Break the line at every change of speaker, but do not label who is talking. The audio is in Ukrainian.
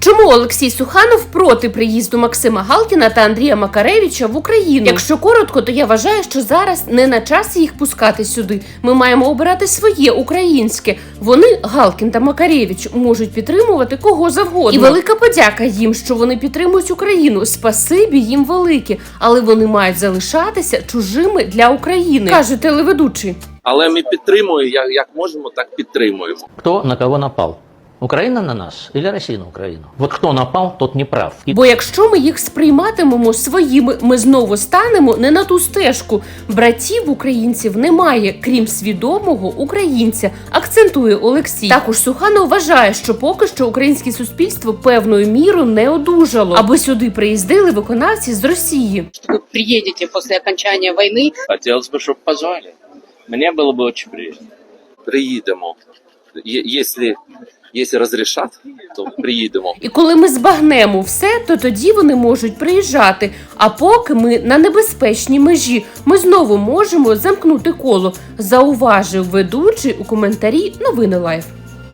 Чому Олексій Суханов проти приїзду Максима Галкіна та Андрія Макаревича в Україну? Якщо коротко, то я вважаю, що зараз не на часі їх пускати сюди. Ми маємо обирати своє, українське. Вони, Галкін та Макаревич, можуть підтримувати кого завгодно. І велика подяка їм, що вони підтримують Україну. Спасибі їм велике. Але вони мають залишатися чужими для України, каже телеведучий.
Але ми підтримуємо, як можемо, так підтримуємо.
Кто на кого напал? Украина на нас или Россия на Украину? Вот кто напал, тот не прав.
Бо якщо ми їх сприйматимемо своїми, ми знову станемо не на ту стежку. Братів українців немає, крім свідомого українця, акцентує Олексій. Також Суханов вважає, що поки що українське суспільство певною мірою не одужало, аби сюди приїздили виконавці з Росії.
Ви приїдете після окончання війни.
Хотілося б, щоб позвали. Мені було б дуже приємно. Приїдемо. Якщо розрішать, то приїдемо.
І коли ми збагнемо все, то тоді вони можуть приїжджати. А поки ми на небезпечній межі, ми знову можемо замкнути коло, зауважив ведучий у коментарі Новини Лайф.